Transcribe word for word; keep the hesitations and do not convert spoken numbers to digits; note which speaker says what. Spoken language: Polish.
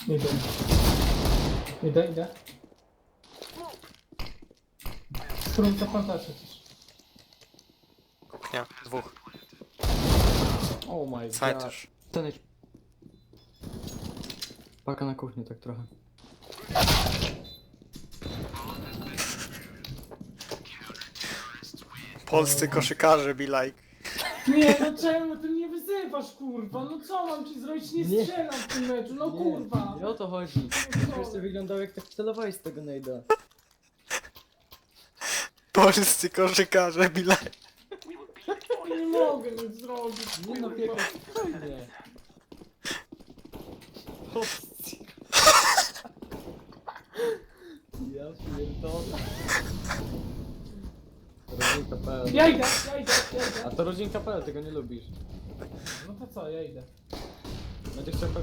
Speaker 1: Idę. Idę, idę. Spróbuj to plantacie też.
Speaker 2: Kuchnia, dwóch.
Speaker 3: Oh my
Speaker 2: Side
Speaker 3: god.
Speaker 2: też.
Speaker 3: Ten jest... Paka na kuchni tak trochę.
Speaker 2: Polscy koszykarze be like.
Speaker 1: Nie, no czemu ty mnie wyzywasz, kurwa? No co mam ci zrobić? Nie
Speaker 3: Nie.
Speaker 1: strzelam w tym meczu, no
Speaker 3: Nie,
Speaker 1: kurwa.
Speaker 3: nie o to chodzi. Wiesz co wyglądało jak tak celowałeś z tego najda.
Speaker 2: Polscy koszykarze be like.
Speaker 1: O, nie mogę nic zrobić,
Speaker 3: Nie no,
Speaker 1: kurwa.
Speaker 3: piekło, spokojnie. Opcji. Ja pierdolę. Rodzinka P L.
Speaker 1: Ja idę, ja idę, ja
Speaker 3: A
Speaker 1: idę.
Speaker 3: to rodzinka P L, tego nie lubisz.
Speaker 1: No to co, ja idę.
Speaker 3: Będziesz chciał kogoś